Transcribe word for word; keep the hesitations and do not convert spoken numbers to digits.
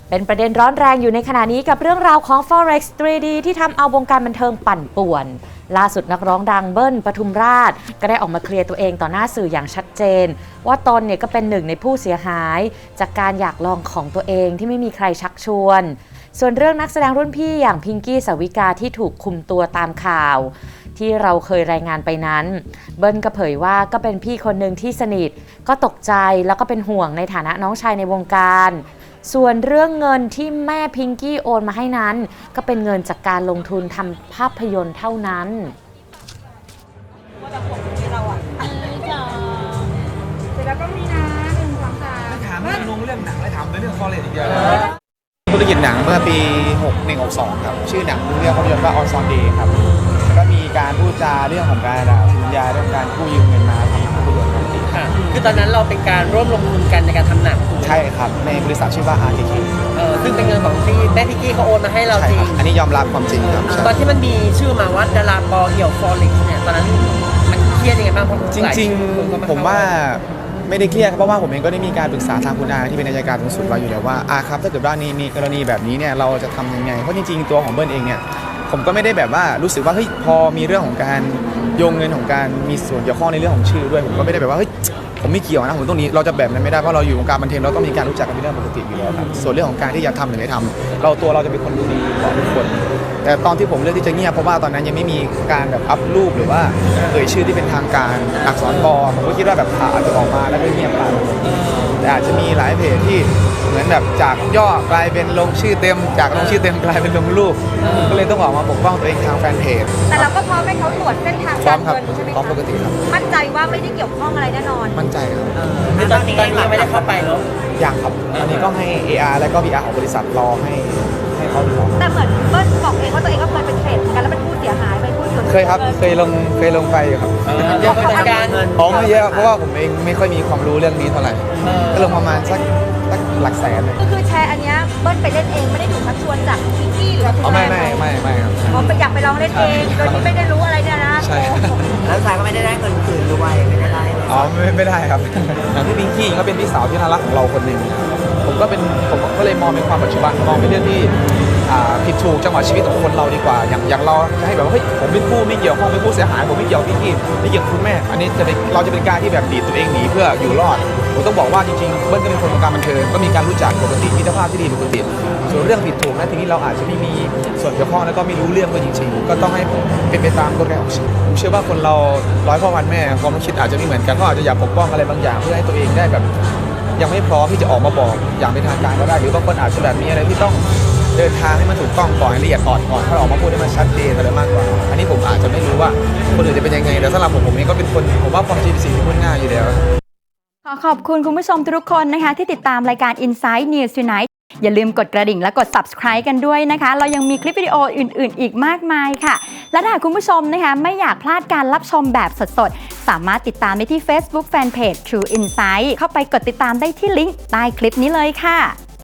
เป็นประเด็นร้อนแรงอยู่ในขณะนี้กับเรื่องราวของ Forex ทรี ดี ที่ทำเอาวงการบันเทิงปั่นป่วนล่าสุดนักร้องดังเบิ้ลปทุมราชก็ได้ออกมาเคลียร์ตัวเองต่อหน้าสื่ออย่างชัดเจนว่าตนเนี่ยก็เป็นหนึ่งในผู้เสียหายจากการอยากลองของตัวเองที่ไม่มีใครชักชวนส่วนเรื่องนักแสดงรุ่นพี่อย่างพิงกี้สาวิกาที่ถูกคุมตัวตามข่าวที่เราเคยรายงานไปนั้นเบิ้ลก็เผยว่าก็เป็นพี่คนหนึ่งที่สนิทก็ตกใจแล้วก็เป็นห่วงในฐานะน้องชายในวงการส่วนเรื่องเงินที่แม่พิงกี้โอนมาให้นั้นก็เป็นเงินจากการลงทุนทำภาพยนตร์เท่านั้นว่าจะผมให้เราอ่ะเสร็จแล้วก็มีนะหนึ่งสองสามถามเรื่องลงเรื่องหนังแล้วถามเรื่องคอเลจอีกเยอะธุรกิจหนังเมื่อปีหกหนึ่ง หกสองครับชื่อหนังเรื่องภาพยนตร์ว่า On Sunday ครับแล้วก็มีการพูดจาเรื่องของการสัญญาเรื่องการกู้ยืมเงินมาทำภาพยนตร์ค่ะคือตอนนั้นเราเป็นการร่วมลงทุนกันในการทำหนังใช่ครับในบริษัทชื่อว่า อาร์ เค เคเออซึ่งเป็นเงินของที่แม่พิกกี้เขาโอนมาให้เราจริงอันนี้ยอมรับความจริงครับตอนที่มันมีชื่อมาว่าดาราปอเอี่ยวฟอเร็กซ์เนี่ยตอนนั้นมันเครียดยังไงบ้างเพราะจริงๆผมว่าไม่ได้เครียดเพราะว่าผมเองก็ได้มีการปรึกษาทางคุณอาที่เป็นอัยการสูงสุดไว้อยู่แล้วว่าอาครับถ้าเกิดว่านี่มีกรณีแบบนี้เนี่ยเราจะทำยังไงเพราะจริงๆตัวของเบิ้ลเองเนี่ยผมก็ไม่ได้แบบว่ารู้สึกว่าเฮ้ยพอมีเรื่องของการโยงเงินของการมีส่วนเกี่ยวข้องในเรื่องของชื่อด้วยผมก็ไม่ได้แบบว่าเฮ้ยผมไม่เกี่ยวนะผมตรงนี้เราจะแบบนั้นไม่ได้เพราะเราอยู่วงการบันเทิงเราต้องมีการรู้จักกันเป็นเรื่องปกติอยู่แล้วครับส่วนเรื่องของการที่จะทำหรือไม่ทำเราตัวเราจะเป็นคนดูดีกว่าทุกคนแต่ตอนที่ผมเลือกที่จะเงียบเพราะว่าตอนนั้นยังไม่มีการแบบอัพรูปหรือว่าเอ่ยชื่อที่เป็นทางการอักษรบอผมก็คิดว่าแบบข่าวอาจจะออกมาแล้วก็เงียบไปแต่อาจจะมีหลายเพจที่เหมือนแบบจากย่อกลายเป็นลงชื่อเต็มจากลงชื่อเต็มกลายเป็นลงรูปก็เลยต้องออกมาปกป้องตัวเองทางแฟนเพจแต่เราก็พร้อมให้เขาตรวจเส้นทางการเงินใช่ไหมคะพร้อมปกติครับมั่นใจว่าไม่ได้เกี่ยวข้องอะไรแน่นอนมั่นใจครับคือตอนนี้ยังไม่ได้เข้าไปเนาะอย่างครับอันนี้ก็ให้ เอ อาร์ และก็ บี อาร์ ของบริษัทรอให้ให้เขาดูแต่เหมือนเบิ้ลบอกเองว่าตัวเองก็เคยเป็นเทรดกันแล้วเป็นผู้เสียหายเป็นผู้เสียหายเคยครับเคยลงเคยลงไปครับเยอะเป็นการเงินอ๋อไม่เยอะเพราะว่าผมเองไม่ค่อยมีความรู้เรื่องนี้เท่าไหร่ก็ลงประมาณสักสักหลักแสนเลยก็คือแชร์อันเนี้ยเบิ้ลไปเล่นเองไม่ได้ถูกชักชวนจากพิงกี้หรืออ๋อไม่ไม่ไม่ไม่ครับผมไปอยากไปลองเล่นเองโดยที่ไม่ได้รู้อะไรเนี่ยนะใช่แล้วชายก็ไม่ได้ได้เงินคืนด้วยไม่ได้ได้อ๋อไม่ไม่ได้ครับอย่างที่พิงกี้ก็เป็นพี่สาวที่น่ารักของเราคนหนึ่งผมก็เป็นผมก็เลยมองเป็นความปัจจุบันมองเป็นเรื่องที่ผิดถูกจังหวะชีวิตของคนเราดีกว่าอย่างอย่างเราจะให้แบบว่าเฮ้ยผมเป็นผู้ไม่เกี่ยวข้องเป็นผู้เสียหายผมไม่เกี่ยวพี่กี้ไม่เกี่ยวกับคุณแม่อันนี้จะเป็นเราจะเป็นการที่แบบดีดตัวเองหนีเพื่ออยู่รอดผมต้องบอกว่าจริงๆเบิ้ลก็เป็นคนวงการบันเทิงก็มีการรู้จักปกติมิตรภาพที่ดีปกติส่วนเรื่องผิดถูกนะทีนี้เราอาจจะไม่มีส่วนเกี่ยวข้องแล้วก็ไม่รู้เรื่องก็จริงๆก็ต้องให้เป็นไปตามกฎเกณฑ์ของชีวิตผมเชื่อว่าคนเราร้อยพ่อพันแม่ความคิดอาจจะไม่เหมือนกันเขาอาจจะอยากปกป้องอะไรบางอย่างเพื่อให้ตัวเองได้แบบยังไม่พร้อมที่จะออกมาบอกอย่างเป็นทางการก็ได้หรือบางคนอาจจะแบบมีอะไรที่ต้องเดินทางให้มันถูกต้องก่อนให้ละเอียดอ่อนก่อนถ้าออกมาพูดให้มันชัดเจนอะไรมากกว่าอันนี้ผมอาจจะไม่รู้ว่าคนอื่นจะเป็นยังไงแต่สำหรับผมผมเองก็เป็นคนผมว่าความจริงเป็นสิ่งที่พูดง่ายอยู่แล้วขอขอบคุณคุณผู้ชมทุกคนนะคะที่ติดตามรายการ Inside News Tonight อย่าลืมกดกระดิ่งและกด Subscribe กันด้วยนะคะเรายังมีคลิปวิดีโออื่นๆอีกมากมายค่ะและถ้าคุณผู้ชมนะคะไม่อยากพลาดการรับชมแบบสดๆสามารถติดตามได้ที่ Facebook Fanpage True Insight เข้าไปกดติดตามได้ที่ลิงก์ใต้คลิปนี้เลยค่ะ